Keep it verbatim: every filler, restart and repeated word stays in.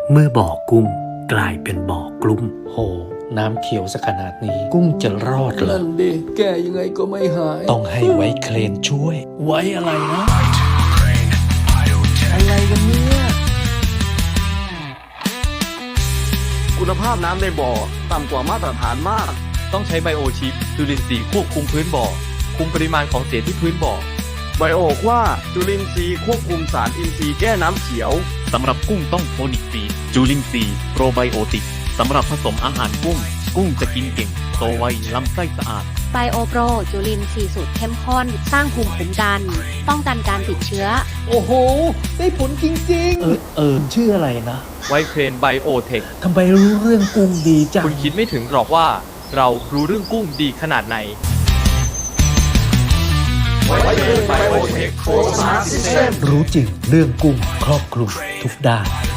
เมื่อบ่อกุ้งกลายเป็นบ่อกลุ้มโหน้ำเขียวสักขนาดนี้กุ้งจะรอดเหรอนั่นดิแก้ยังไงก็ไม่หายต้องให้ไว้เคลนช่วย ไว้อะไรนะอะไรกันเนี่ยคุณภาพน้ำในบ่อต่ำกว่ามาตรฐานมากต้องใช้ไบโอชิปจุลินทรีย์ควบคุมพื้นบ่อ คุมปริมาณของเศษที่พื้นบ่อไบโอว่าจุลินทรีย์ควบคุมสารอินทรีย์แก้น้ำเขียวสำหรับกุ้งต้องโทนิกซีจูลินซีโปรไบโอติกสำหรับผสมอาหารกุ้ง กุ้งจะกินเก่ง โตไวลำไส้สะอาดไบโอโปรจุลินทรีย์สูตรเข้มข้น สร้างภูมิคุ้มกัน ป้องกันการติดเชื้อโอ้โห ได้ผลจริงเออเออชื่ออะไรนะไวเครนไบโอเทคทำไมรู้เรื่องกุ้งดีจังคุณคิดไม่ถึงหรอกว่าเรารู้เรื่องกุ้งดีขนาดไหนรู้จริงเรื่องกุ้งครอบคลุมทุกด้าน